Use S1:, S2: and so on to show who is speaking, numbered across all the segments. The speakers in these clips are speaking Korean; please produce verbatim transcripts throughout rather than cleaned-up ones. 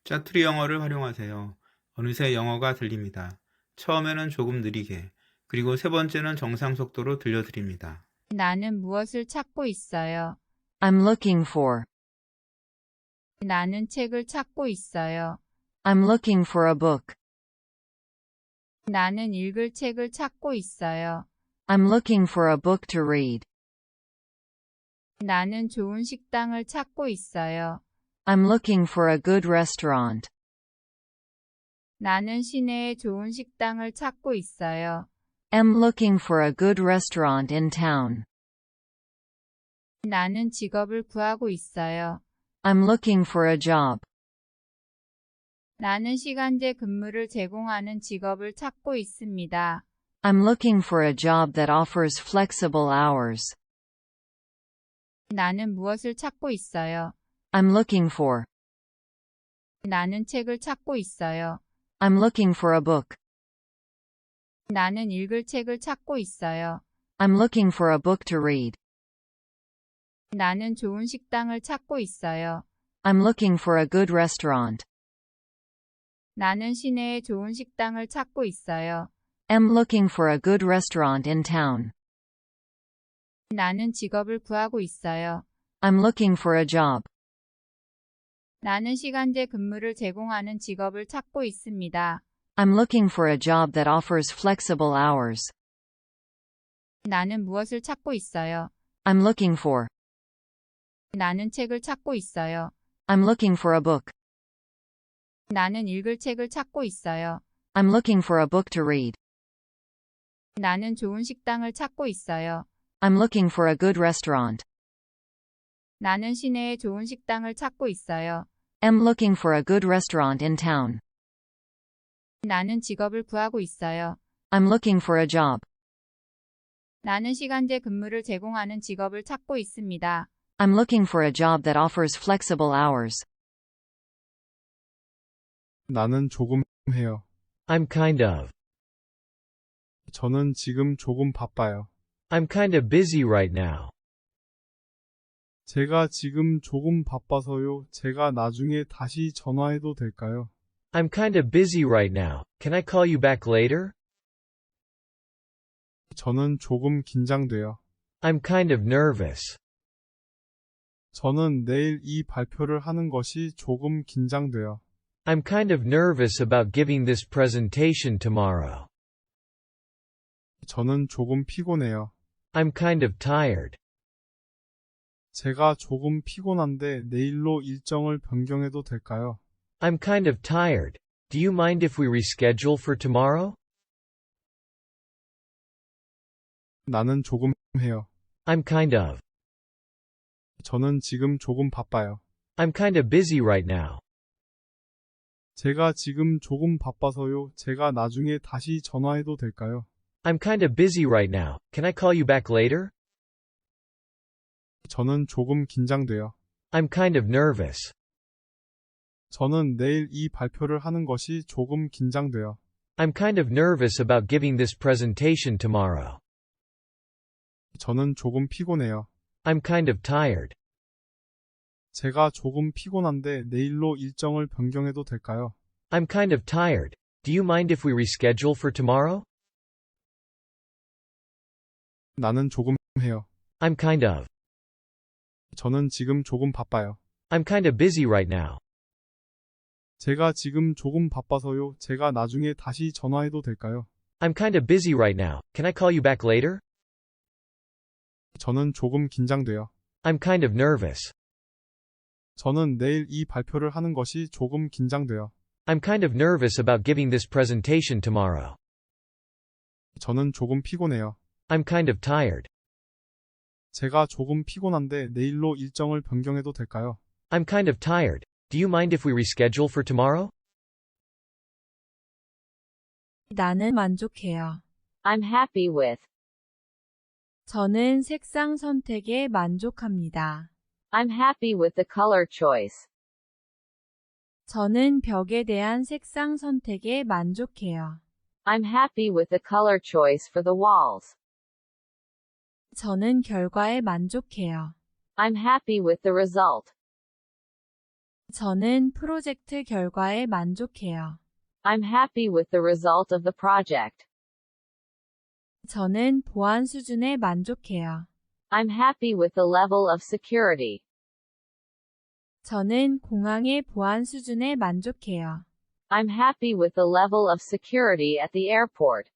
S1: 짜투리 영어를 활용하세요. 어느새 영어가 들립니다. 처음에는 조금 느리게, 그리고 세 번째는 정상 속도로 들려드립니다.
S2: 나는 무엇을 찾고 있어요.
S3: I'm looking for.
S2: 나는 책을 찾고 있어요.
S3: I'm looking for a book.
S2: 나는 읽을 책을 찾고 있어요.
S3: I'm looking for a book to read.
S2: 나는 좋은 식당을 찾고 있어요.
S3: I'm looking for a good restaurant.
S2: 나는 시내에 좋은 식당을 찾고 있어요.
S3: I'm looking for a good restaurant in town.
S2: 나는 직업을 구하고 있어요.
S3: I'm looking for a job.
S2: 나는 시간제 근무를 제공하는 직업을 찾고 있습니다.
S3: I'm looking for a job that offers flexible hours.
S2: 나는 무엇을 찾고 있어요.
S3: I'm looking for.
S2: 나는 책을 찾고 있어요.
S3: I'm looking for a book.
S2: 나는 읽을 책을 찾고 있어요.
S3: I'm looking for a book to read.
S2: 나는 좋은 식당을 찾고 있어요.
S3: I'm looking for a good restaurant.
S2: 나는 시내에 좋은 식당을 찾고 있어요.
S3: I'm looking for a good restaurant in town.
S2: 나는 직업을 구하고 있어요.
S3: I'm looking for a job.
S2: 나는 시간제 근무를 제공하는 직업을 찾고 있습니다.
S3: I'm looking for a job that offers flexible hours.
S2: 나는 무엇을 찾고 있어요.
S3: I'm looking for.
S2: 나는 책을 찾고 있어요.
S3: I'm looking for a book.
S2: 나는 읽을 책을 찾고 있어요.
S3: I'm looking for a book to read.
S2: 나는 좋은 식당을 찾고 있어요.
S3: I'm looking for a good restaurant.
S2: 나는 시내에 좋은 식당을 찾고 있어요.
S3: I'm looking for a good restaurant in town.
S2: 나는 직업을 구하고 있어요.
S3: I'm looking for a job.
S2: 나는 시간제 근무를 제공하는 직업을 찾고 있습니다.
S3: I'm looking for a job that offers flexible hours.
S4: 나는 조금 해요.
S5: I'm kind of.
S4: 저는 지금 조금 바빠요.
S5: I'm kind of busy right now.
S4: 제가 지금 조금 바빠서요. 제가 나중에 다시 전화해도 될까요?
S5: I'm kind of busy right now. Can I call you back later?
S4: 저는 조금 긴장돼요.
S5: I'm kind of nervous.
S4: 저는 내일 이 발표를 하는 것이 조금 긴장돼요.
S5: I'm kind of nervous about giving this presentation tomorrow.
S4: 저는 조금 피곤해요.
S5: I'm kind of tired.
S4: 제가 조금 피곤한데 내일로 일정을 변경해도 될까요?
S5: I'm kind of tired. Do you mind if we reschedule for tomorrow?
S4: 나는 조금 해요.
S5: I'm kind of.
S4: 저는 지금 조금 바빠요.
S5: I'm kind of busy right now.
S4: 제가 지금 조금 바빠서요. 제가 나중에 다시 전화해도 될까요?
S5: I'm kind of busy right now. Can I call you back later?
S4: 저는 조금 긴장돼요.
S5: I'm kind of nervous.
S4: 저는 내일 이 발표를 하는 것이 조금 긴장돼요.
S5: I'm kind of nervous about giving this presentation tomorrow.
S4: 저는 조금 피곤해요.
S5: I'm kind of tired.
S4: 제가 조금 피곤한데 내일로 일정을 변경해도 될까요?
S5: I'm kind of tired. Do you mind if we reschedule for tomorrow?
S4: 나는 조금 해요.
S5: I'm kind of.
S4: 저는 지금 조금 바빠요.
S5: I'm kind of busy right now.
S4: 제가 지금 조금 바빠서요. 제가 나중에 다시 전화해도 될까요?
S5: I'm kind of busy right now. Can I call you back later?
S4: 저는 조금 긴장돼요.
S5: I'm kind of nervous.
S4: 저는 내일 이 발표를 하는 것이 조금 긴장돼요.
S5: I'm kind of nervous about giving this presentation tomorrow.
S4: 저는 조금 피곤해요.
S5: I'm kind of tired.
S4: 제가 조금 피곤한데 내일로 일정을 변경해도 될까요?
S5: I'm kind of tired. Do you mind if we reschedule for tomorrow?
S2: 나는 만족해요.
S6: I'm happy with.
S2: 저는 색상 선택에 만족합니다.
S6: I'm happy with the color choice.
S2: 저는 벽에 대한 색상 선택에 만족해요.
S6: I'm happy with the color choice for the walls.
S2: 저는 결과에 만족해요.
S6: I'm happy with the result.
S2: 저는 프로젝트 결과에 만족해요.
S6: I'm happy with the result of the project.
S2: 저는 보안 수준에 만족해요.
S6: I'm happy with the level of security.
S2: 저는 공항의 보안 수준에 만족해요.
S6: I'm happy with the level of security at the airport.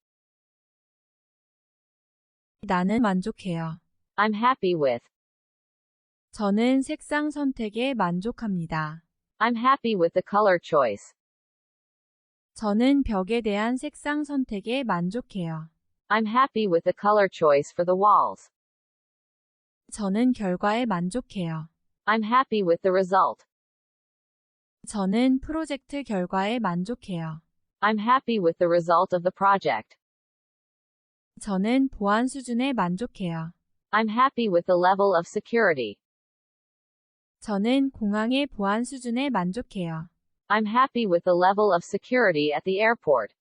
S2: 나는 만족해요.
S6: I'm happy with.
S2: 저는 색상 선택에 만족합니다.
S6: I'm happy with the color choice.
S2: 저는 벽에 대한 색상 선택에 만족해요.
S6: I'm happy with the color choice for the walls.
S2: 저는 결과에 만족해요.
S6: I'm happy with the result.
S2: 저는 프로젝트 결과에 만족해요.
S6: I'm happy with the result of the project.
S2: 저는 보안 수준에 만족해요.
S6: I'm happy with the level of security.
S2: 저는 공항의 보안 수준에 만족해요.
S6: I'm happy with the level of security at the airport.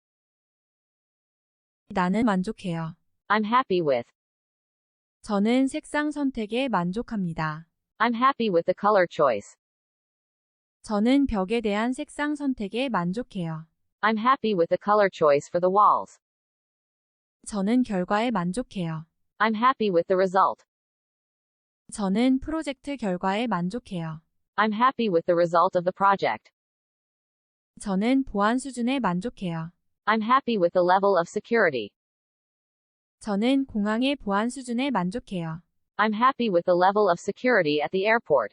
S2: 나는 만족해요.
S6: I'm happy with.
S2: 저는 색상 선택에 만족합니다.
S6: I'm happy with the color choice.
S2: 저는 벽에 대한 색상 선택에 만족해요.
S6: I'm happy with the color choice for the walls.
S2: 저는 결과에 만족해요.
S6: I'm happy with the result.
S2: 저는 프로젝트 결과에 만족해요.
S6: I'm happy with the result of the project.
S2: 저는 보안 수준에 만족해요.
S6: I'm happy with the level of security.
S2: 저는 공항의 보안 수준에 만족해요.
S6: I'm happy with the level of security at the airport.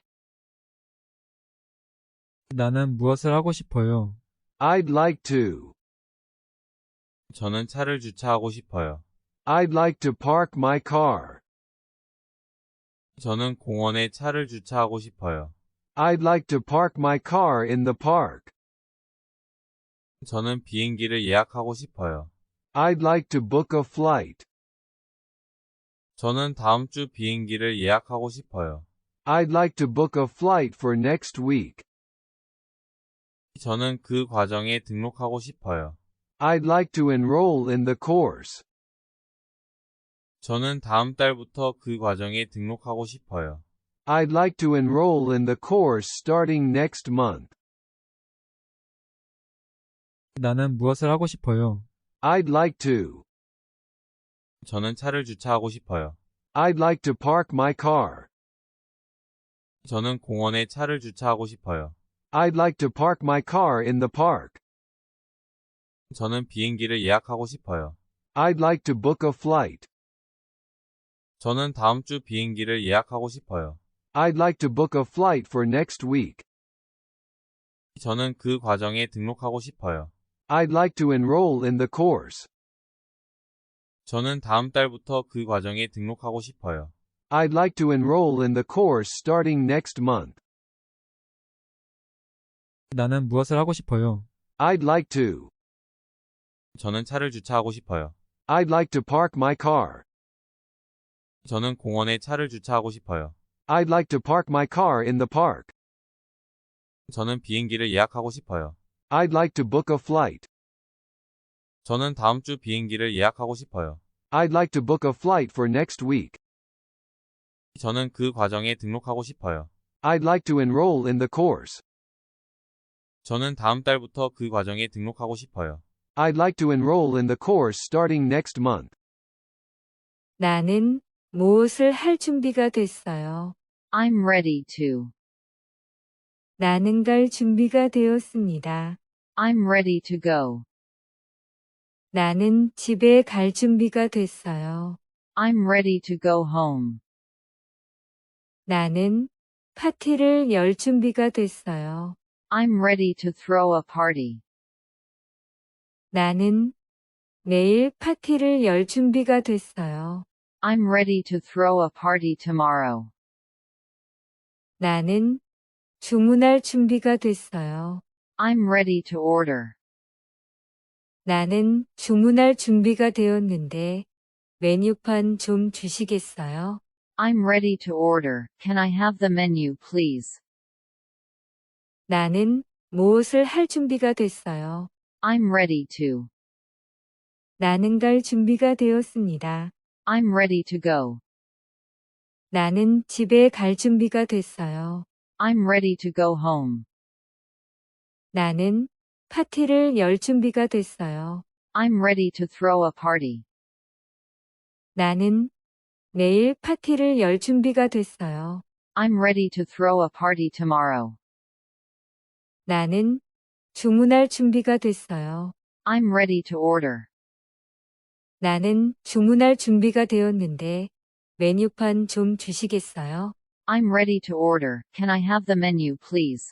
S7: 나는 무엇을 하고 싶어요?
S8: I'd like to.
S9: 저는 차를 주차하고 싶어요.
S8: I'd like to park my car.
S9: 저는 공원에 차를 주차하고 싶어요.
S8: I'd like to park my car in the park.
S9: 저는 비행기를 예약하고 싶어요.
S8: I'd like to book a flight.
S9: 저는 다음 주 비행기를 예약하고 싶어요.
S8: I'd like to book a flight for next week.
S9: 저는 그 과정에 등록하고 싶어요.
S8: I'd like to enroll in the course.
S9: 저는 다음 달부터 그 과정에 등록하고 싶어요.
S8: I'd like to enroll in the course starting next month.
S7: 나는 무엇을 하고 싶어요?
S8: I'd like to.
S9: 저는 차를 주차하고 싶어요.
S8: I'd like to park my car.
S9: 저는 공원에 차를 주차하고 싶어요.
S8: I'd like to park my car in the park.
S9: 저는 비행기를 예약하고 싶어요.
S8: I'd like to book a flight.
S9: 저는 다음 주 비행기를 예약하고 싶어요.
S8: I'd like to book a flight for next week.
S9: 저는 그 과정에 등록하고 싶어요.
S8: I'd like to enroll in the course.
S9: 저는 다음 달부터 그 과정에 등록하고 싶어요.
S8: I'd like to enroll in the course starting next month.
S7: 나는 무엇을 하고 싶어요?
S8: I'd like to.
S9: 저는 차를 주차하고 싶어요.
S8: I'd like to park my car.
S9: 저는 공원에 차를 주차하고 싶어요.
S8: I'd like to park my car in the park.
S9: 저는 비행기를 예약하고 싶어요.
S8: I'd like to book a flight.
S9: 저는 다음 주 비행기를 예약하고 싶어요.
S8: I'd like to book a flight for next week.
S9: 저는 그 과정에 등록하고 싶어요.
S8: I'd like to enroll in the course.
S9: 저는 다음 달부터 그 과정에 등록하고 싶어요.
S8: I'd like to enroll in the course starting next month.
S10: 나는 무엇을 할 준비가 됐어요.
S3: I'm ready to.
S10: 나는 갈 준비가 되었습니다.
S3: I'm ready to go.
S10: 나는 집에 갈 준비가 됐어요.
S3: I'm ready to go home.
S10: 나는 파티를 열 준비가 됐어요.
S3: I'm ready to throw a party.
S10: 나는 내일 파티를 열 준비가 됐어요.
S3: I'm ready to throw a party tomorrow.
S10: 나는 주문할 준비가 됐어요.
S3: I'm ready to order.
S10: 나는 주문할 준비가 되었는데 메뉴판 좀 주시겠어요?
S3: I'm ready to order. Can I have the menu, please?
S10: 나는 무엇을 할 준비가 됐어요.
S3: I'm ready to.
S10: 나는 갈 준비가 되었습니다.
S3: I'm ready to go.
S10: 나는 집에 갈 준비가 됐어요.
S3: I'm ready to go home.
S10: 나는 파티를 열 준비가 됐어요.
S3: I'm ready to throw a party.
S10: 나는 내일 파티를 열 준비가 됐어요.
S3: I'm ready to throw a party tomorrow.
S10: 나는 주문할 준비가 됐어요.
S3: I'm ready to order.
S10: 나는 주문할 준비가 되었는데 메뉴판 좀 주시겠어요?
S3: I'm ready to order. Can I have the menu, please?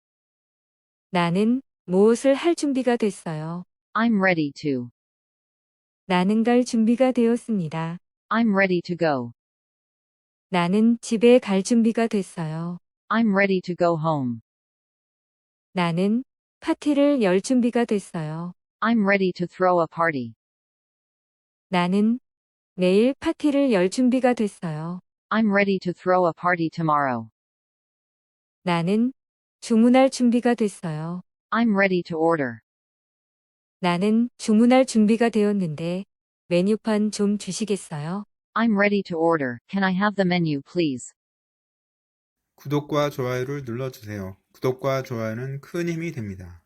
S10: 나는 무엇을 할 준비가 됐어요.
S3: I'm ready to.
S10: 나는 갈 준비가 되었습니다.
S3: I'm ready to go.
S10: 나는 집에 갈 준비가 됐어요.
S3: I'm ready to go home.
S10: 나는 파티를 열 준비가 됐어요.
S3: I'm ready to throw a party.
S10: 나는 내일 파티를 열 준비가 됐어요.
S3: I'm ready to throw a party tomorrow.
S10: 나는 주문할 준비가 됐어요.
S3: I'm ready to order.
S10: 나는 주문할 준비가 되었는데 메뉴판 좀 주시겠어요?
S3: I'm ready to order. Can I have the menu, please?
S1: 구독과 좋아요를 눌러주세요. 구독과 좋아요는 큰 힘이 됩니다.